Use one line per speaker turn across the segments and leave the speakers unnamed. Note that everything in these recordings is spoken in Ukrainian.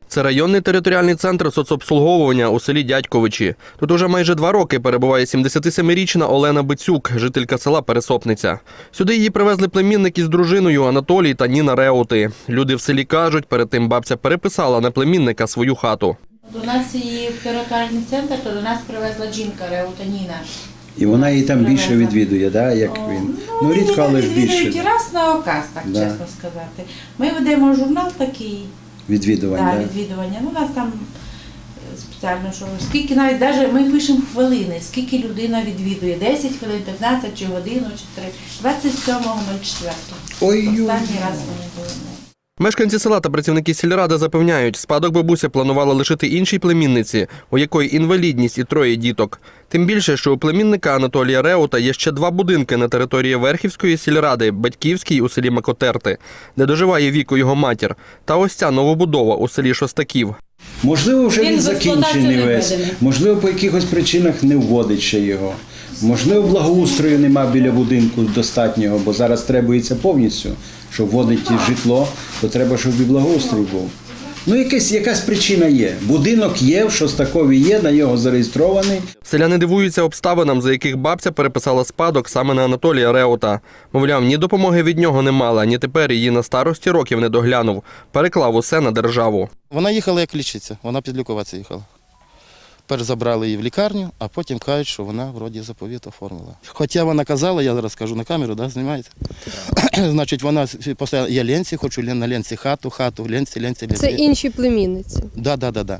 Це районний територіальний центр соцобслуговування у селі Дядьковичі. Тут уже майже 2 роки перебуває 77-річна Олена Бицюк, жителька села Пересопниця. Сюди її привезли племінники з дружиною Анатолій та Ніна Реути. Люди в селі кажуть, перед тим бабця переписала на племінника свою хату.
До нас її в територіальний центр, то до нас привезла жінка Реута Ніна.
І вона її там більше відвідує, да, як він? Ну, рідко, але ж більше.
Раз на оказ, так чесно сказати. Ми ведемо журнал такий.
Відвідування.
Відвідування. Ну, у нас там спеціально, що скільки навіть ми пишемо хвилини, скільки людина відвідує. 10 хвилин, 15 чи годину, чи 3. 27.04. Останній раз вони були.
Мешканці села та працівники сільради запевняють, спадок бабуся планувала лишити іншій племінниці, у якої інвалідність і 3 діток. Тим більше, що у племінника Анатолія Реута є ще 2 будинки на території Верхівської сільради, Батьківській у селі Макотерти, де доживає віку його матір, та ось ця новобудова у селі Шостаків.
Можливо, вже він закінчений весь, можливо, по якихось причинах не вводить ще його. Можливо, благоустрою нема біля будинку достатнього, бо зараз требується повністю, щоб вводити житло, то треба, щоб і благоустрій був. Ну, якась причина є. Будинок є, в Шостакові є, на нього зареєстрований.
Селяни дивуються обставинам, за яких бабця переписала спадок саме на Анатолія Реута. Мовляв, ні допомоги від нього не мала, ні тепер її на старості років не доглянув. Переклав усе на державу.
Вона їхала як лічиться, вона підлікуватися їхала. Перш забрали її в лікарню, а потім кажуть, що вона вроді заповіт оформила. Хоча вона казала, я зараз кажу на камеру, да, знімаєте? Значить, вона постійно, я ленці, хочу на ленці хату, ленці.
Це інші племінниці?
Да.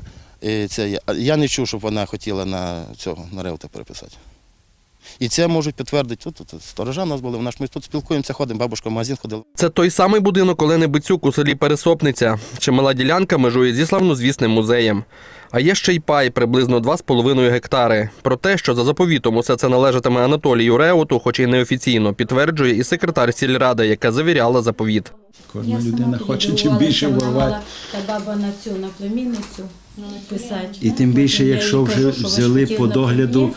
Я не чув, щоб вона хотіла на Реута переписати. І це можуть підтвердити. Тут сторожа в нас були, ми тут спілкуємося, ходимо, бабушка в магазин ходила.
Це той самий будинок Олени Бицюк у селі Пересопниця. Чимала ділянка межує зі славнозвісним музеєм. А є ще й пай, приблизно 2,5 гектари. Про те, що за заповітом усе це належатиме Анатолію Реуту, хоч і неофіційно, підтверджує і секретар сільради, яка завіряла заповіт.
Кожна людина хоче чим більше ворвати.
Та баба на племінницю писати.
І тим більше, якщо вже взяли по догляду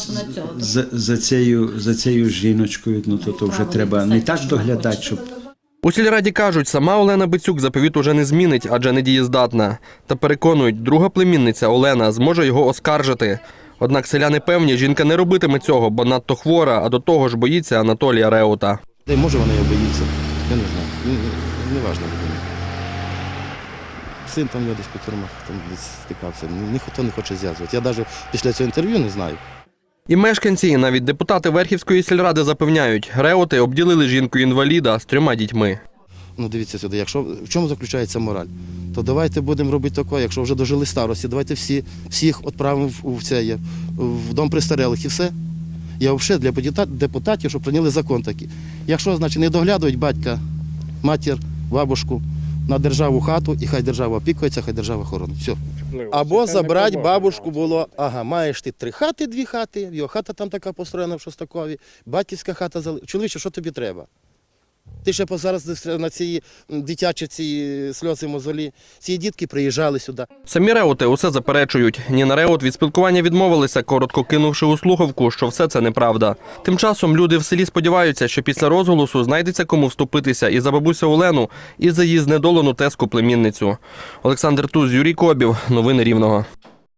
за цією жіночкою, ну то вже треба не так доглядати, щоб...
У сільраді кажуть, сама Олена Бицюк заповіт уже не змінить, адже недієздатна. Та переконують, друга племінниця Олена зможе його оскаржити. Однак селяни певні, жінка не робитиме цього, бо надто хвора, а до того ж боїться Анатолія Реута.
Може вона його боїться, я не знаю, не важливо. Син там десь по тюрмах десь стикався, ніхто не хоче зв'язувати. Я навіть після цього інтерв'ю не знаю.
І мешканці, і навіть депутати Верхівської сільради запевняють, Реути обділили жінку-інваліда з 3 дітьми.
Ну дивіться сюди, в чому заключається мораль? То давайте будемо робити таке, якщо вже дожили старості, давайте всіх відправимо в дом престарілих і все. Я взагалі для депутатів, щоб прийняли закон такий. Якщо, значить, не доглядують батька, матір, бабушку на державу хату, і хай держава опікується, хай держава хоронить. Все. Або забрати бабушку було, маєш ти 3 хати, 2 хати, його хата там така построєна в Шостакові, батьківська хата залишилася. Чоловіче, що тобі треба? Ти ще зараз на ці дитячі сльози мозолі, ці дітки приїжджали сюди.
Самі Реути усе заперечують. Ніна Реут від спілкування відмовилися, коротко кинувши у слухавку, що все це неправда. Тим часом люди в селі сподіваються, що після розголосу знайдеться кому вступитися і за бабусю Олену, і за її знедолену тезку племінницю. Олександр Туз, Юрій Кобів. Новини Рівного.